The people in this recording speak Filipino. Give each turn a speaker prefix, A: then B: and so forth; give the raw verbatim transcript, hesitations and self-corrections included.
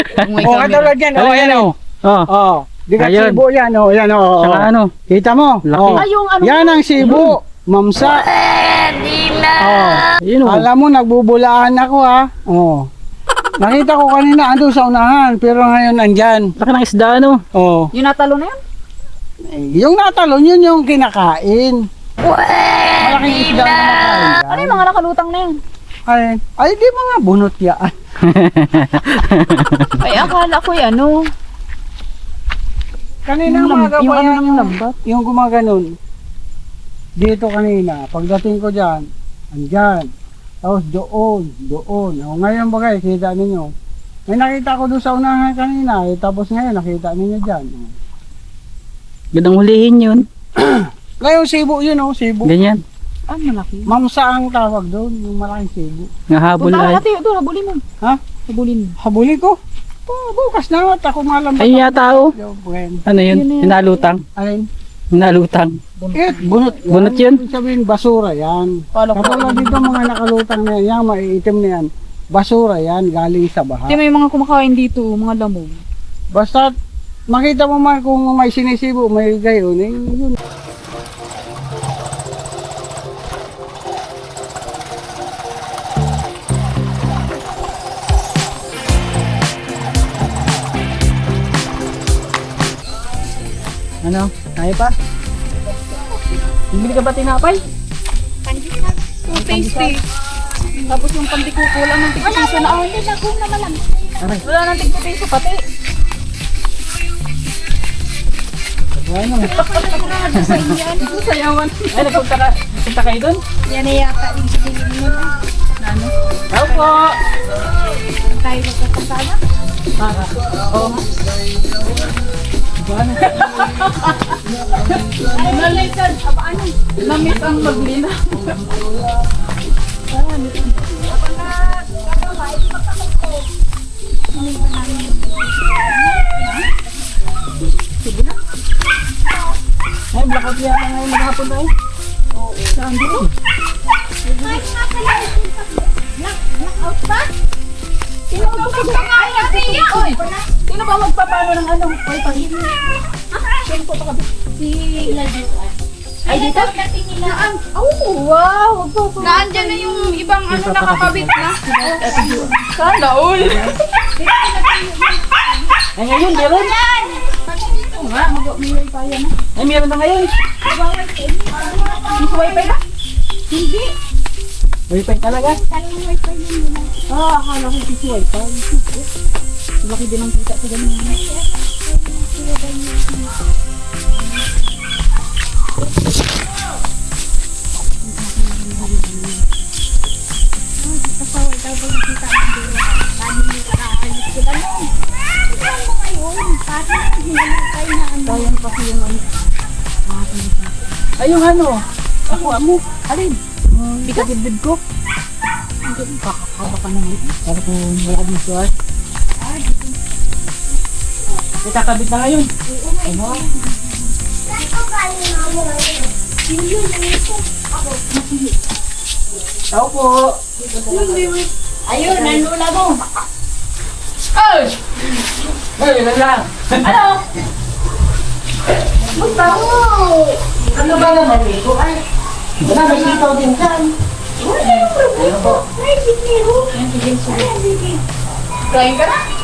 A: May
B: Oh,
A: camera.
B: katulad yan. Oh, ayan oh.
C: Oh,
B: Oh, di ka
C: Ayun.
B: sibo yan. Oh, yan oh.
C: saka
B: oh.
C: ano?
B: Kita mo?
C: Laki.
B: Oh.
A: Ay, yung ano.
B: Yan ang sibo. Mamsa. Oh.
C: Ayun oh.
B: Alam mo, nagbubulaan ako ha. Oh. Nakita ko kanina ando sa unahan, pero ngayon andyan.
C: Laki ng isda ano.
B: Oh.
A: Yung natalo na yun?
B: Eh, Yung natalon, yun yung kinakain. Malaking isda na nakain.
A: Ano yung mga nakalutang na yun?
B: Ay, ay di mga bunot yan.
A: Ay, akala ko yan, ano.
B: Kanina
A: Yung lam-
B: umaga
A: yung
B: pa
A: ano
B: yan,
A: ng lambat?
B: Yung gumaganon. Dito kanina, pagdating ko dyan, andyan. Tapos doon, doon. O, ngayon bagay, kita ninyo. May nakita ko doon sa unahan kanina, eh, tapos ngayon nakita ninyo dyan.
C: Gandang hulihin yun.
B: Ngayon sibo yun oh, sibo.
C: Ganyan.
A: Ah, malaki.
B: Mamsa ang tawag doon, yung malaking sibo.
C: Nahabol
A: Punta
C: ay.
A: natin, ito, habulin mo.
B: Ha?
A: Habulin mo.
B: Habuli ko. Oh, bukas na at ako malam.
C: Ayun yata oh. Ano yun?
A: Yun na yun.
C: Hinalutang.
B: Alin?
C: Hinalutang.
B: Eh, bunot yan.
C: Bunot yun?
B: Ibig sabihin, basura yan.
A: Kala ko.
B: Katulad dito mga nakalutang na yan, yung maiitim na yan. Basura yan, galing sa baha.
A: Hindi, may mga kumakain dito, mga lamog.
B: Basta makita mo man kung may sinisibo, may gayon, eh, yun.
C: Ano? Kaya pa? Bibili ka ba tinapay?
A: So tasty. Tapos yung pandikuko lang ng tigpiso na ako. Hindi, nagong naman lang. Wala nang tigpiso pati.
C: Ano?
A: Sa inyan. Sayawan.
C: Ay, nagpunta ka. Punta kayo dun?
A: Yan na yata yung sinilin mo na. Ano?
C: Tao po!
A: Tayo magkakasama.
C: Para. Oo. Ano?
A: Nalitan. Apa ano? Lamit ang maglina.
C: Ay, blackout yata ngayon maghapon na eh.
A: Saan dito?
D: Blackout pa?
A: Sino ba magpapano? Oy! Sino ba magpapano ng ano? Oy, pangin. Sino po pa
D: Si Lajuan.
A: Ay, dito?
D: Dating nila.
A: Naan? Oh, wow!
D: Naandyan na yung ibang ano nakakabit na.
A: Sana all!
C: Ay, ngayon, meron.
A: Oo nga, mag-umiway pa yan.
C: Ay, meron na ngayon.
A: Mas wifi na?
D: Hindi.
C: Wifi talaga.
D: Talagang wifi yun nila.
A: Ah, akala ko si wifi. Laki din ang kita sa ganyan.
D: Pasaway daw ba nakita ang dila? Paano nila kakaalis sila nun? Ikaw mo ngayon. Parang hinalakay na ano.
A: Sayang kasi yung ano.
C: Ay, yung ano. Ako, amo.
A: Alin? Hindi ka dibdib ko. Hindi, kakakaba ka naman.
C: Para kung wala ka dito ay. May kakabit na ngayon. Ano? Tao po.
D: Ayun, nanlula mo.
C: Ay! Ay, lang lang.
D: Ano? Gusto mo.
C: Ano ba naman ito? Ay, wala, may sitaw din dyan.
D: Wala yung problema. Ay, bigyan mo. Ay, bigyan.
A: Kain ka na?